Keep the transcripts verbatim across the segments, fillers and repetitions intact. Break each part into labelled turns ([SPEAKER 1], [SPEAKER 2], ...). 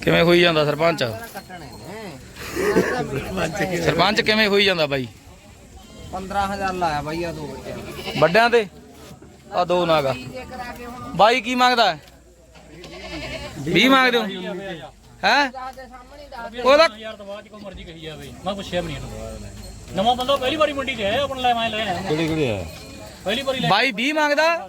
[SPEAKER 1] ਕਿਵੇਂ ਹੋਈ ਜਾਂਦਾ ਸਰਪੰਚ? ਸਰਪੰਚ ਕਿਵੇਂ ਹੋਈ ਜਾਂਦਾ ਬਾਈ?
[SPEAKER 2] ਪੰਦਰਾਂ ਹਜ਼ਾਰ ਲਾਇਆ ਬਾਈ ਆ ਦੋ ਬੱਚਿਆਂ
[SPEAKER 1] ਵੱਡਿਆਂ ਤੇ ਆ ਦੋ ਨਾਗਾ ਬਾਈ ਕੀ ਮੰਗਦਾ ਹੈ? ਵੀਹ ਮੰਗਦੇ ਹੋ ਹੈ? ਉਹਦਾ
[SPEAKER 3] ਯਾਰ ਦਵਾ ਚ ਕੋਈ ਮਰਜ਼ੀ ਕਹੀ ਜਾਵੇ ਮੈਂ ਪੁੱਛਿਆ ਵੀ ਨਹੀਂ ਨਵਾਂ ਬੰਦਾ ਪਹਿਲੀ ਵਾਰੀ ਮੰਡੀ ਤੇ ਆਇਆ ਆਪਣ ਲੈ ਮੈਂ ਲੈ ਆਇਆ ਕਿਹੜੀ ਕਿਹੜੀ ਆ ਪਹਿਲੀ ਵਾਰੀ ਲੈ
[SPEAKER 1] ਬਾਈ ਵੀਹ ਮੰਗਦਾ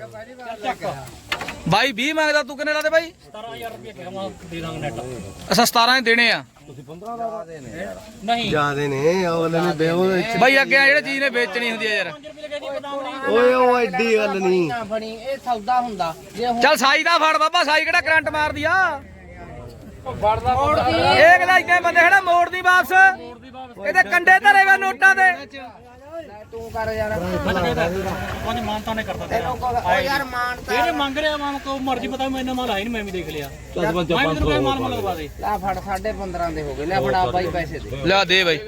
[SPEAKER 1] ਬਾਈ ਵੀਹ ਮੰਗਦਾ ਤੂੰ ਕਿੰਨੇ ਲਾਦੇ ਬਾਈ?
[SPEAKER 3] ਸਤਾਰਾਂ ਹਜ਼ਾਰ ਰੁਪਏ ਕਿਹਾ ਮੈਂ ਦੇ ਦਾਂਗਾ ਨੈਟ
[SPEAKER 1] ਅੱਛਾ ਸਤਾਰਾਂ ਹੀ ਦੇਣੇ ਆ
[SPEAKER 2] ਤੁਸੀਂ ਪੰਦਰਾਂ ਦਾ ਦੇ ਨੇ ਯਾਰ
[SPEAKER 3] ਨਹੀਂ
[SPEAKER 4] ਜਿਆਦੇ ਨੇ ਉਹਨੇ ਨੇ ਬੇਵੋ
[SPEAKER 1] ਬਾਈ ਅੱਗੇ ਜਿਹੜੇ ਚੀਜ਼ ਨੇ ਵੇਚਣੀ ਹੁੰਦੀ ਆ ਯਾਰ।
[SPEAKER 4] ਓਏ ਉਹ ਐਡੀ ਗੱਲ ਨਹੀਂ
[SPEAKER 2] ਨਾ ਫੜੀ ਇਹ ਸੌਦਾ ਹੁੰਦਾ ਜੇ ਹੁਣ
[SPEAKER 1] ਚੱਲ ਸਾਈ ਦਾ ਫੜ ਬਾਬਾ ਸਾਈ ਕਿਹੜਾ ਕਰੰਟ ਮਾਰਦੀ ਆ
[SPEAKER 2] ਫੜਦਾ ਮੋੜਦੀ
[SPEAKER 1] ਇਹ ਕਿਹਦਾ ਇੱਥੇ ਬੰਦੇ ਖੜਾ ਮੋੜਦੀ ਵਾਪਸ ਇਹਦੇ ਕੰਡੇ ਧਰੇ ਵੇ ਨੋਟਾਂ ਦੇ
[SPEAKER 2] ਤੂੰ ਕਰ ਯਾਰ
[SPEAKER 3] ਪੰਜ ਮਾਨਤਾ ਨੇ ਕਰਤਾ
[SPEAKER 2] ਤੈਨੂੰ ਕੋ ਉਹ ਯਾਰ ਮਾਨਤਾ
[SPEAKER 3] ਇਹਨੇ ਮੰਗ ਰਿਹਾ ਮਾਂ ਕੋ ਮਰਜ਼ੀ ਪਤਾ ਮੈਨੂੰ ਮਾਲ ਆਈ ਨਹੀਂ ਮੈਂ ਵੀ ਦੇਖ ਲਿਆ ਮੈਂ ਵੀ ਤੈਨੂੰ ਕੋਈ ਮਾਲ ਮਾਲ ਲਵਾ ਦੇ
[SPEAKER 2] ਲੈ ਫੜ ਸਾਢੇ ਪੰਦਰਾਂ ਦੇ ਹੋ ਗਏ ਲੈ ਫੜਾ ਬਾਈ ਪੈਸੇ ਦੇ
[SPEAKER 1] ਲਿਆ ਦੇ ਬਾਈ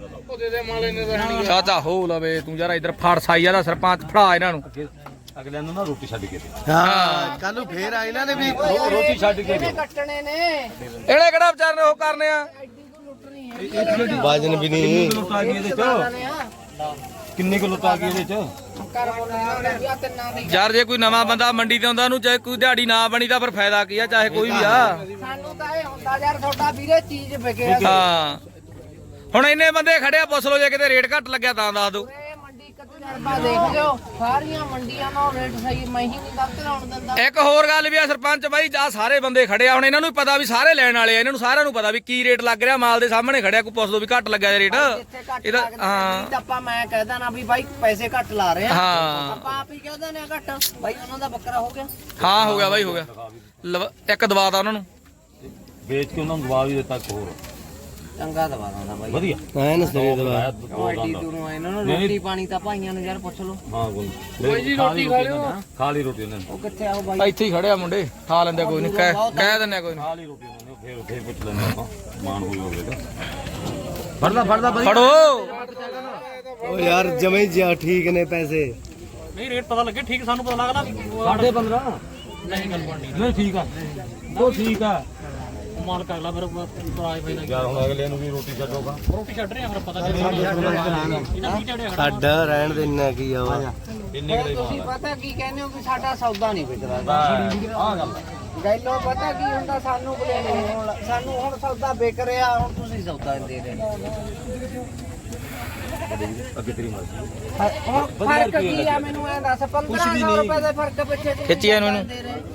[SPEAKER 1] ਚਾਚਾ ਹੋ ਲਵੇ ਤੂੰ ਯਾਰ ਇਧਰ ਫੜ ਸਾਈ ਦਾ ਸਰਪੰਚ ਫੜਾ ਇਹਨਾਂ ਨੂੰ
[SPEAKER 5] ਅਗਲਿਆਂ ਨੂੰ ਨਾ ਰੋਟੀ ਛੱਡ ਕੇ ਦੇ
[SPEAKER 4] ਹਾਂ ਕੱਲ ਨੂੰ ਫੇਰ ਆ ਇਹਨਾਂ ਨੇ ਵੀ
[SPEAKER 5] ਰੋਟੀ ਛੱਡ ਕੇ
[SPEAKER 2] ਇਹਨੇ ਕੱਟਣੇ ਨੇ
[SPEAKER 1] ਇਹਨੇ ਕਿਹੜਾ ਵਿਚਾਰ ਨੇ ਉਹ ਕਰਨੇ ਆ
[SPEAKER 4] ਵਜਨ ਵੀ ਨਹੀਂ
[SPEAKER 5] ਆ ਗਈ ਇਹਦੇ ਚ ਕਿੰਨੇ ਕਿਲੋ ਤਾਂ ਆ ਗਈ ਇਹਦੇ ਚ
[SPEAKER 2] ਕਰ ਬੋਲਣਾ ਤਿੰਨਾਂ ਦੀ
[SPEAKER 1] ਯਾਰ ਜੇ ਕੋਈ ਨਵਾਂ ਬੰਦਾ ਮੰਡੀ ਤੇ ਆਉਂਦਾ ਉਹਨੂੰ ਚਾਹੇ ਕੋਈ ਦਿਹਾੜੀ ਨਾ ਬਣੀ ਤਾਂ ਫਿਰ ਫਾਇਦਾ ਕੀ ਆ ਚਾਹੇ ਕੋਈ ਵੀ ਆ।
[SPEAKER 2] ਸਾਨੂੰ ਤਾਂ ਇਹ ਹੁੰਦਾ ਯਾਰ ਤੁਹਾਡਾ ਵੀਰੇ ਚੀਜ਼ ਵਿਕੇ
[SPEAKER 1] ਹਾਂ ਹੁਣ ਇੰਨੇ ਬੰਦੇ ਖੜਿਆ ਪੁੱਛ ਲਓ ਜੇ ਕਿਤੇ ਰੇਟ ਘੱਟ ਲੱਗਿਆ ਤਾਂ ਦੱਸ ਦਿਓ।
[SPEAKER 2] ਇਹ ਮੰਡੀ ਕਦ ਤਜਰਬਾ ਦੇਖ ਲਿਓ ਸਾਰੀਆਂ ਮੰਡੀਆਂ ਦਾ ਰੇਟ ਸਹੀ ਮੈਂ ਹੀ ਨਹੀਂ ਗਲਤ ਲਾਉਣ ਦਿੰਦਾ
[SPEAKER 1] ਇੱਕ ਹੋਰ ਗੱਲ ਵੀ ਆ ਸਰਪੰਚ ਬਾਈ ਆ ਸਾਰੇ ਬੰਦੇ ਖੜੇ ਆ ਹੁਣ ਇਹਨਾਂ ਨੂੰ ਵੀ ਪਤਾ ਵੀ ਸਾਰੇ ਲੈਣ ਵਾਲੇ ਆ ਇਹਨਾਂ ਨੂੰ ਸਾਰਿਆਂ ਨੂੰ ਪਤਾ ਵੀ ਕੀ ਰੇਟ ਲੱਗ ਰਿਹਾ ਮਾਲ ਦੇ ਸਾਹਮਣੇ ਖੜਿਆ ਕੋਈ ਪੁੱਛ ਲਓ ਵੀ ਘੱਟ ਲੱਗਿਆ ਰੇਟ ਇਹਦਾ ਹਾਂ
[SPEAKER 2] ਆਪਾਂ ਮੈਂ ਕਹਿਦਾ ਨਾ ਵੀ ਬਾਈ ਪੈਸੇ ਘੱਟ ਲਾ ਰਹੇ ਆ
[SPEAKER 1] ਹਾਂ
[SPEAKER 2] ਆਪਾਂ ਆਪ ਹੀ ਕਹਿਦਾ ਨੇ ਘੱਟ ਬਾਈ ਉਹਨਾਂ ਦਾ ਬੱਕਰਾ ਹੋ ਗਿਆ
[SPEAKER 1] ਹਾਂ ਹੋ ਗਿਆ ਬਾਈ ਹੋ ਗਿਆ ਲਵ- ਇੱਕ ਦਵਾ ਤਾ ਉਹਨਾਂ ਨੂੰ
[SPEAKER 5] ਵੇਚ ਕੇ ਉਹਨਾਂ ਨੂੰ ਦਵਾ ਵੀ ਦਿੱਤਾ ਇੱਕ ਹੋਰ
[SPEAKER 2] ਚੰਗਾ ਦਵਾ ਦਾਂਦਾ ਬਾਈ
[SPEAKER 5] ਵਧੀਆ
[SPEAKER 4] ਐਨ ਸਰੇ ਦਵਾ
[SPEAKER 2] ਉਹ ਐਡੀ ਦੂਰੋਂ ਇਹਨਾਂ ਨੂੰ ਰੋਟੀ ਪਾਣੀ ਤਾਂ ਭਾਈਆਂ ਨੂੰ ਯਾਰ ਪੁੱਛ ਲਓ
[SPEAKER 5] ਹਾਂ ਕੋਈ ਜੀ ਰੋਟੀ ਖਾ ਲਿਓ ਖਾ ਲਈ ਰੋਟੀ ਉਹਨਾਂ ਨੇ
[SPEAKER 2] ਉਹ ਕਿੱਥੇ ਆਓ ਬਾਈ
[SPEAKER 1] ਇੱਥੇ ਹੀ ਖੜਿਆ ਮੁੰਡੇ ਖਾ ਲੈਂਦੇ ਕੋਈ ਨਹੀਂ ਕਹਿ ਕਹਿ ਦਿੰਦੇ ਕੋਈ
[SPEAKER 5] ਖਾ ਲਈ ਰੋਟੀ ਉਹਨਾਂ ਨੇ ਫੇਰ ਫੇਰ ਪੁੱਛ ਲੈਂਦੇ ਆਪਾਂ ਮਾਨ ਹੋਈ ਹੋਵੇਗਾ ਫੜਦਾ ਫੜਦਾ ਬਾਈ
[SPEAKER 1] ਫੜੋ
[SPEAKER 4] ਉਹ ਯਾਰ ਜਮੇ ਜਿਆ ਠੀਕ ਨੇ ਪੈਸੇ
[SPEAKER 3] ਨਹੀਂ ਰੇਟ ਪਤਾ ਲੱਗੇ ਠੀਕ ਸਾਨੂੰ ਪਤਾ ਲੱਗਦਾ
[SPEAKER 5] ਸਾਢੇ ਪੰਦਰਾਂ
[SPEAKER 3] ਨਹੀਂ ਗੱਲ ਬਣਨੀ
[SPEAKER 5] ਨਹੀਂ ਠੀਕ ਆ ਉਹ ਠੀਕ ਆ
[SPEAKER 3] ਮਾਲ ਕਰ ਲਾ ਫਿਰ ਪਰਾਏ ਫਾਇਦਾ
[SPEAKER 5] ਯਾਰ ਹੁਣ ਅਗਲੇ ਨੂੰ ਵੀ ਰੋਟੀ ਛੱਡੋਗਾ
[SPEAKER 3] ਰੋਟੀ ਛੱਡ ਰਹੇ ਆ ਫਿਰ ਪਤਾ ਚੱਲ ਇਹਨਾਂ ਵੀ ਝੜਿਆ
[SPEAKER 4] ਛੱਡ ਰਹਿਣ ਦੇ ਇੰਨਾ ਕੀ ਆ ਵਾ
[SPEAKER 5] ਇੰਨੇ ਕਿਹੜੇ
[SPEAKER 2] ਤੁਸੀਂ ਪਤਾ ਕੀ ਕਹਿੰਦੇ ਹੋ ਕਿ ਸਾਡਾ ਸੌਦਾ ਨਹੀਂ ਵਿਕਦਾ
[SPEAKER 5] ਆ ਗੱਲ
[SPEAKER 2] ਗੈਲੋ ਪਤਾ ਕੀ ਹੁੰਦਾ ਸਾਨੂੰ ਬਲੇ ਹੁਣ ਸਾਨੂੰ ਹੁਣ ਸੌਦਾ ਵਿਕ ਰਿਹਾ ਹੁਣ ਤੁਸੀਂ ਸੌਦਾ ਦੇ ਰਹੇ
[SPEAKER 5] ਅੱਗੇ ਤੇਰੀ ਮਰਜ਼ੀ
[SPEAKER 2] ਹੁਣ ਫਰਕ ਕੀ ਆ ਮੈਨੂੰ ਐ ਦੱਸ ਪੰਦਰਾਂ ਸੌ ਰੁਪਏ ਦੇ ਫਰਕ ਪਿੱਛੇ ਤੁਸੀਂ
[SPEAKER 1] ਖਿੱਚੀ ਇਹਨੂੰ ਇਹਨੂੰ।
[SPEAKER 2] ਦੇ ਰਹੇ।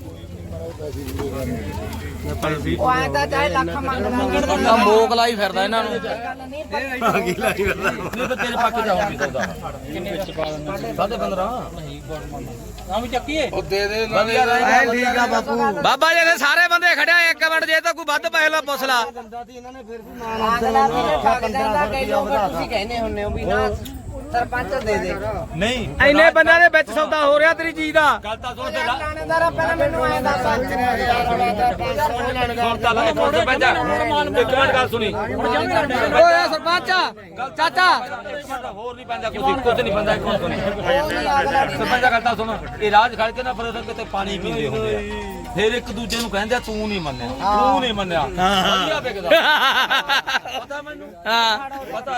[SPEAKER 2] ਉਹ ਐ ਤਾਂ ਚਾਹੇ ਲੱਖ ਮੰਗਦਾ
[SPEAKER 1] ਆ ਮੋਕ ਲਾਈ ਫਿਰਦਾ ਇਹਨਾਂ ਨੂੰ
[SPEAKER 2] ਗੱਲ ਨਹੀਂ ਪਰ
[SPEAKER 4] ਕੀ ਲਾਈ ਫਿਰਦਾ
[SPEAKER 5] ਨਹੀਂ ਤਾਂ ਤੇਰੇ ਪੱਕ ਜਾਊਗੀ ਸੌਦਾ ਸਾਢੇ ਪੰਦਰਾਂ
[SPEAKER 3] ਆ ਵੀ ਚੱਕੀਏ
[SPEAKER 4] ਐ ਠੀਕ ਆ ਬਾਪੂ
[SPEAKER 1] ਬਾਬਾ ਜੀ ਦੇ ਸਾਰੇ ਬੰਦੇ ਖੜਿਆ ਇੱਕ ਮਿੰਟ ਜੇ ਤਾਂ ਕੋਈ ਵੱਧ ਪੈਸੇ ਲਾ ਪੁੱਛ ਲਾ
[SPEAKER 2] ਅਗਲਾ ਵੀ ਠੱਗ ਜਾਂਦਾ ਕਈ ਲੋਕ ਤੁਸੀਂ ਕਹਿੰਦੇ ਹੁੰਨੇ ਹੋ ਵੀ ਨਾ ਸਰਪੰਚ ਦੇ ਦੇ
[SPEAKER 5] ਨਹੀਂ
[SPEAKER 1] ਇੰਨੇ ਬੰਦਿਆਂ ਦੇ ਵਿੱਚ ਸੌਦਾ ਹੋ ਰਿਹਾ ਤੇਰੀ ਚੀਜ਼ ਦਾ
[SPEAKER 5] ਗੱਲ ਤਾਂ ਸੁਣ
[SPEAKER 2] ਯਾਰ ਲਾਣੇਦਾਰ ਪਹਿਲਾਂ ਮੈਨੂੰ ਐ ਦੱਸ
[SPEAKER 5] ਸੁਣ ਤਾਂ ਲੈ ਇੱਕ ਮਿੰਟ ਪੈਂਦਾ ਇੱਕ ਮਿੰਟ ਗੱਲ ਸੁਣੀ
[SPEAKER 1] ਓਏ ਸਰਪੰਚ ਚਾਚਾ
[SPEAKER 5] ਹੋਰ ਨਹੀਂ ਪੈਂਦਾ ਕੁਝ ਕੁਝ ਨਹੀਂ ਪੈਂਦਾ ਇੱਕ ਮਿੰਟ ਸੁਣੀ ਸਰਪੰਚ ਗੱਲ ਤਾਂ ਸੁਣ ਇਹ ਰਾਜ ਖੜ ਕੇ ਨਾ ਫਿਰ ਕਿਤੇ ਪਾਣੀ ਪੀਂਦੇ ਹੁੰਦੇ ਆ ਫਿਰ ਇੱਕ ਦੂਜੇ ਨੂੰ ਕਹਿੰਦੇ ਆ ਤੂੰ ਨਹੀਂ ਮੰਨਿਆ ਤੂੰ ਨਹੀਂ ਮੰਨਿਆ ਵਧੀਆ ਵਿਕਦਾ ਪਤਾ ਮੈਨੂੰ
[SPEAKER 1] ਹਾਂ
[SPEAKER 5] ਪਤਾ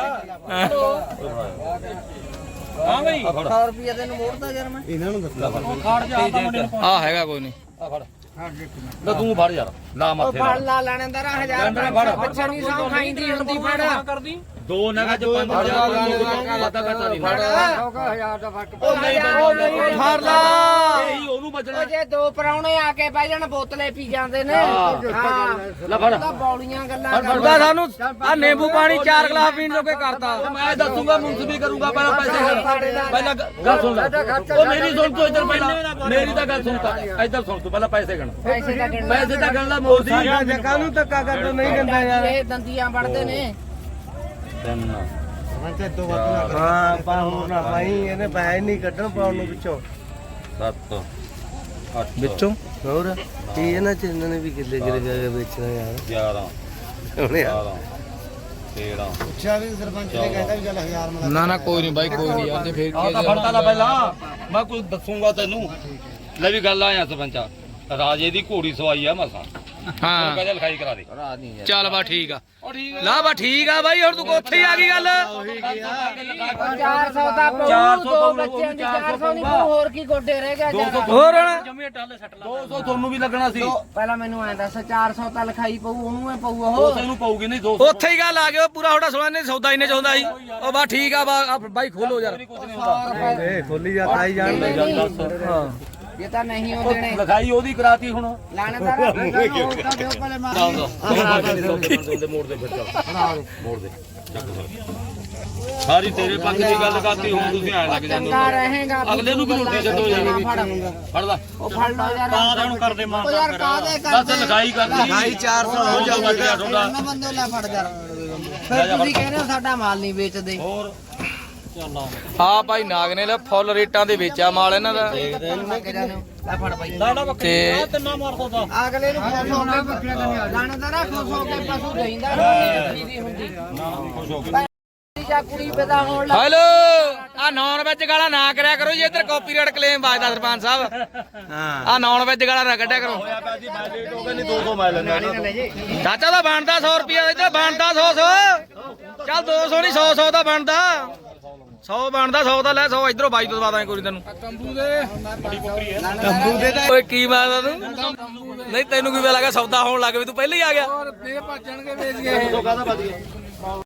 [SPEAKER 3] ਹਾਂ ਬਈ
[SPEAKER 2] ਸੌ ਰੁਪਏ ਤੈਨੂੰ ਮੋੜਦਾ ਯਾਰ ਮੈਂ
[SPEAKER 4] ਇਹਨਾਂ ਨੂੰ ਦੱਸਦਾ
[SPEAKER 3] ਖਾੜ ਜਾ ਆਪਾਂ ਮੁੰਡੇ ਨੂੰ
[SPEAKER 1] ਆ ਹੈਗਾ ਕੋਈ ਨਹੀਂ
[SPEAKER 5] ਆ ਫੜ ਲੈ ਤੂੰ ਫੜ ਯਾਰ ਲਾ
[SPEAKER 2] ਉਹ
[SPEAKER 5] ਮੱਥੇ
[SPEAKER 2] ਫੜ
[SPEAKER 5] ਨਾਲ
[SPEAKER 2] ਲਾ ਲਾਣੇਦਾਰ ਹਜ਼ਾਰ ਰੁਪਏ ਪਿੱਛੇ ਨਹੀਂ ਸੌ ਖਾਈਂਦੀ ਹੁੰਦੀ ਫੜ
[SPEAKER 3] ਕਰਦੀ
[SPEAKER 5] ਦੋ ਨਗਾ ਚ ਪੰਜ ਹਜ਼ਾਰ ਵਾਦਾ ਕਰਤਾ ਨਹੀਂ
[SPEAKER 2] ਹਜ਼ਾਰ ਦਾ ਫਰਕ
[SPEAKER 5] ਉਹ ਨਹੀਂ ਉਹ ਨਹੀਂ
[SPEAKER 1] ਫੜ ਲਾ
[SPEAKER 5] ਇਹੀ ਉਹਨੂੰ ਬਚਣਾ
[SPEAKER 2] ਉਹ ਜੇ ਦੋ ਪਰਾਉਣੇ ਆ ਕੇ ਬਹਿ ਜਾਣ ਬੋਤਲੇ ਪੀ ਜਾਂਦੇ ਨੇ ਹਾਂ
[SPEAKER 5] ਲੈ ਫੜ
[SPEAKER 2] ਤਾਂ ਬੌਲੀਆਂ ਗੱਲਾਂ
[SPEAKER 1] ਉਹਦਾ ਸਾਨੂੰ ਆ ਨਿੰਬੂ ਪਾਣੀ ਚਾਰ ਗਲਾਸ ਪੀਣ ਜੋਗੇ ਕਰਤਾ
[SPEAKER 5] ਮੈਂ ਦੱਸੂਗਾ ਮੁਨਸਬੀ ਕਰੂੰਗਾ ਪਹਿਲਾਂ ਪੈਸੇ ਕਰ ਪਹਿਲਾਂ ਗੱਲ ਸੁਣ ਲੈ ਉਹ ਮੇਰੀ ਸੁਣ ਤੂੰ ਇੱਧਰ ਪਹਿਲਾਂ ਮੇਰੀ ਤਾਂ ਗੱਲ ਸੁਣ ਤਾ ਇੱਧਰ ਸੁਣ ਤੂੰ ਪਹਿਲਾਂ ਪੈਸੇ ਗਣ
[SPEAKER 2] ਪੈਸੇ ਦਾ ਗਿਣ
[SPEAKER 5] ਪੈਸੇ ਤਾਂ ਗਣ ਲਾ ਮੋਦੀ
[SPEAKER 4] ਕਾਹਨੂੰ ਧੱਕਾ ਕਰ ਨਹੀਂ ਦਿੰਦਾ ਯਾਰ
[SPEAKER 2] ਇਹ ਦੰਦੀਆਂ ਵੜਦੇ ਨੇ
[SPEAKER 5] ਤਿੰਨ
[SPEAKER 4] ਹਾਂ ਪਾ ਹੋਰ ਨਾ ਭਾਈ ਇਹਨੇ ਪੈਸੇ ਨਹੀਂ ਕੱਢਣ ਪਾਉਣ ਨੂੰ ਵਿੱਚੋਂ
[SPEAKER 5] ਸੱਤ ਅੱਠ
[SPEAKER 1] ਵਿੱਚੋਂ
[SPEAKER 4] ਹੋਰ ਕੀ ਇਹਨਾਂ ਚ ਇਹਨਾਂ ਨੇ ਵੀ ਕਿੱਲੇ ਕਿੱਲੇ ਜਾ ਕੇ ਵੇਚਣਾ ਯਾਰ
[SPEAKER 5] ਗਿਆਰਾਂ
[SPEAKER 4] ਹੁਣ ਯਾਰ
[SPEAKER 5] ਬਾਰਾਂ ਤੇਰਾਂ
[SPEAKER 4] ਪੁੱਛਿਆ ਵੀ ਸਰਪੰਚ ਨੇ ਕਹਿੰਦਾ ਵੀ ਚੱਲ ਹਜ਼ਾਰ ਮਲਾ
[SPEAKER 1] ਨਾ ਨਾ ਕੋਈ ਨਹੀਂ ਬਾਈ ਕੋਈ ਨਹੀਂ ਯਾਰ ਜੇ ਫੇਰ
[SPEAKER 5] ਆ ਤਾਂ ਫੜਤਾ ਲਾ ਪਹਿਲਾਂ ਮੈਂ ਕੁਝ ਦੱਸੂਗਾ ਤੈਨੂੰ ਲੈ ਵੀ ਗੱਲ ਆਇਆ ਸਰਪੰਚਾ ਰਾਜੇ ਦੀ ਘੋੜੀ ਸਵਾਈ ਆ ਮਸਾਂ
[SPEAKER 1] ਹਾਂ
[SPEAKER 5] ਕਹਿੰਦਾ ਲਿਖਾਈ ਕਰਾ ਦੇ
[SPEAKER 2] ਕਰਾ ਦੀ ਯਾਰ
[SPEAKER 1] ਚੱਲ ਬਾ ਠੀਕ ਆ ਲਾ ਬਾ ਠੀਕ ਆ ਬਾਈ ਹੁਣ ਤੂੰ ਉੱਥੇ ਹੀ ਆ ਗਈ ਗੱਲ
[SPEAKER 2] ਚਾਰ ਸੌ ਦਾ
[SPEAKER 5] ਚਾਰ
[SPEAKER 2] ਪਊ
[SPEAKER 5] ਸੌ
[SPEAKER 2] ਦੋ
[SPEAKER 5] ਪਊ,
[SPEAKER 2] ਬੱਚਿਆਂ ਦੀ
[SPEAKER 5] ਚਾਰ
[SPEAKER 2] ਚਾਰ
[SPEAKER 5] ਸੌ
[SPEAKER 2] ਸੌ ਨਹੀਂ ਪਊ ਹੋਰ ਕੀ ਗੋਡੇ ਰਹਿ ਗਿਆ ਯਾਰ
[SPEAKER 1] ਹੋਰ ਹੁਣ
[SPEAKER 3] ਜੰਮੀ ਟਾਲੇ ਸੱਟ ਲਾ
[SPEAKER 5] ਦੋ ਸੌ ਤੁਹਾਨੂੰ ਵੀ ਲੱਗਣਾ ਸੀ
[SPEAKER 2] ਦੋ- ਪਹਿਲਾਂ ਮੈਨੂੰ ਐਂ ਦੱਸ ਚਾਰ ਸੌ ਤਾਂ ਲਿਖਾਈ ਪਊ ਉਹਨੂੰ ਐ ਪਊ
[SPEAKER 5] ਦੋ
[SPEAKER 2] ਉਹ
[SPEAKER 5] ਸੌ ਨੂੰ ਪਊਗੀ ਨਹੀਂ ਦੋ ਸੌ
[SPEAKER 1] ਉੱਥੇ ਹੀ ਗੱਲ ਆ ਗਈ ਉਹ ਪੂਰਾ ਹੋੜਾ ਸੋਣਾ ਨੇ ਸੌਦਾ ਇੰਨੇ ਚ ਹੁੰਦਾ ਸੀ ਉਹ ਬਾ ਠੀਕ ਆ ਬਾ ਆ ਬਾਈ ਖੋਲੋ ਯਾਰ
[SPEAKER 4] ਇਹ ਖੋਲੀ ਜਾ ਖਾਈ ਜਾਣ ਦੇ
[SPEAKER 1] ਹਾਂ
[SPEAKER 2] ਇਹ ਤਾਂ ਨਹੀਂ ਉਹ ਦੇਣੇ
[SPEAKER 5] ਲਿਖਾਈ ਉਹਦੀ ਕਰਾਤੀ ਹੁਣ
[SPEAKER 2] ਲਾਣੇਦਾਰ ਉਹ ਤਾਂ ਦਿਓ ਪਹਿਲੇ ਮਾਰ
[SPEAKER 5] ਮੋੜ ਦੇ ਫਿਰ ਚੱਲ ਮੋੜ ਦੇ ਚੱਕ ਸਾਰੀ ਤੇਰੇ ਪੱਖ ਦੀ ਗੱਲ ਕਰਤੀ ਹੁਣ ਤੁਸੀਂ ਐ ਲੱਗ ਜਾਂਦੇ
[SPEAKER 2] ਚੰਗਾ ਰਹੇਗਾ
[SPEAKER 5] ਅਗਲੇ ਨੂੰ ਵੀ ਰੋਟੀ ਛੱਡੋ ਯਾਰ ਫੜ ਲੈ
[SPEAKER 2] ਉਹ ਫੜ ਲਓ ਯਾਰ
[SPEAKER 3] ਕਾਹਦੇ ਹੁਣ ਕਰਦੇ ਮਾਰ
[SPEAKER 2] ਉਹ ਯਾਰ ਕਾਹਦੇ
[SPEAKER 5] ਬਸ
[SPEAKER 2] ਕਰਦੇ
[SPEAKER 5] ਲਿਖਾਈ ਕਰਤੀ
[SPEAKER 4] ਲਿਖਾਈ ਚਾਰ ਸੌ ਹੋ
[SPEAKER 5] ਜਾਊਗਾ ਤੁਹਾਡਾ
[SPEAKER 2] ਨਾ ਬੰਦੇ ਲੈ ਫੜ ਯਾਰ ਫਿਰ ਤੁਸੀਂ ਕਹਿੰਦੇ ਹੋ ਸਾਡਾ ਮਾਲ ਨਹੀਂ ਵੇਚਦੇ
[SPEAKER 5] ਹੋਰ
[SPEAKER 3] ਚੱਲ ਆ
[SPEAKER 1] ਆ ਭਾਈ ਨਾਗ ਨੇ ਲੈ ਫੁੱਲ ਰੇਟਾਂ ਦੇ ਵੇਚਿਆ ਮਾਲ ਇਹਨਾਂ ਦਾ
[SPEAKER 2] ਲੈ ਫੜ ਬਾਈ
[SPEAKER 3] ਲਾੜਾ ਬੱਕਰੀ
[SPEAKER 1] ਤੇ-
[SPEAKER 3] ਆ ਤਿੰਨਾ ਮਾਰ ਦੋ ਤਾਂ
[SPEAKER 2] ਅਗਲੇ ਨੂੰ ਖੁਸ਼ ਹੋ ਕੇ ਬੱਕਰੀਆਂ ਕਰਨੀਆਂ ਲਾਣੇਦਾਰ ਖੁਸ਼ ਹੋ ਕੇ ਪਸ਼ੂ ਦੇਈਂਦਾ ਨਹੀਂ ਦੀ ਹੁੰਦੀ
[SPEAKER 5] ਖੁਸ਼ ਹੋ ਕੇ
[SPEAKER 2] ਜਾਂ ਕੁੜੀ ਪੈਦਾ ਹੋਣ ਲੱਗ
[SPEAKER 1] ਹੈਲੋ ਆ ਨੌਨ ਵੈਜ ਗਾਲਾਂ ਨਾ ਕਰਿਆ ਕਰੋ ਜੀ ਇੱਧਰ ਕਾਪੀਰਾਈਟ ਕਲੇਮ ਵੱਜਦਾ ਸਰਪੰਚ ਸਾਹਿਬ
[SPEAKER 4] ਹਾਂ
[SPEAKER 1] ਆ ਨੌਨ ਵੈਜ ਗਾਲਾਂ ਨਾ ਕੱਢਿਆ ਕਰੋ
[SPEAKER 5] ਜੀ ਮੈਂ ਲੇਟ ਹੋ ਗਿਆ ਨਹੀਂ ਦੋ ਸੌ ਮੈਂ ਲੈਣਾ
[SPEAKER 1] ਚਾਚਾ ਦਾ ਬਣਦਾ ਸੌ ਰੁਪਿਆ ਇੱਧਰ ਬਣਦਾ ਸੌ ਸੌ ਚੱਲ ਦੋ ਸੌ ਨਹੀਂ ਸੌ ਸੌ ਦਾ ਬਣਦਾ ਸੌ ਬਣਦਾ ਸੌ ਦਾ ਲੈ ਸੌ ਇਧਰੋਂ ਬਾਈ ਤੋਂ ਦਵਾ ਦਾਂਗੇ ਕੋਈ ਤੈਨੂੰ
[SPEAKER 4] ਤੰਬੂ ਦੇ ਤਾਂ
[SPEAKER 1] ਓਏ ਕੀ ਮਾਰਦਾ ਤੂੰ ਨਹੀਂ ਤੈਨੂੰ ਕੀ ਪਤਾ ਲੱਗਾ ਸੌਦਾ ਹੋਣ ਲੱਗ ਵੀ ਤੂੰ ਪਹਿਲਾਂ ਹੀ ਆ ਗਿਆ
[SPEAKER 4] ਫੇਰ ਭੱਜਣਗੇ ਵੇਚ ਕੇ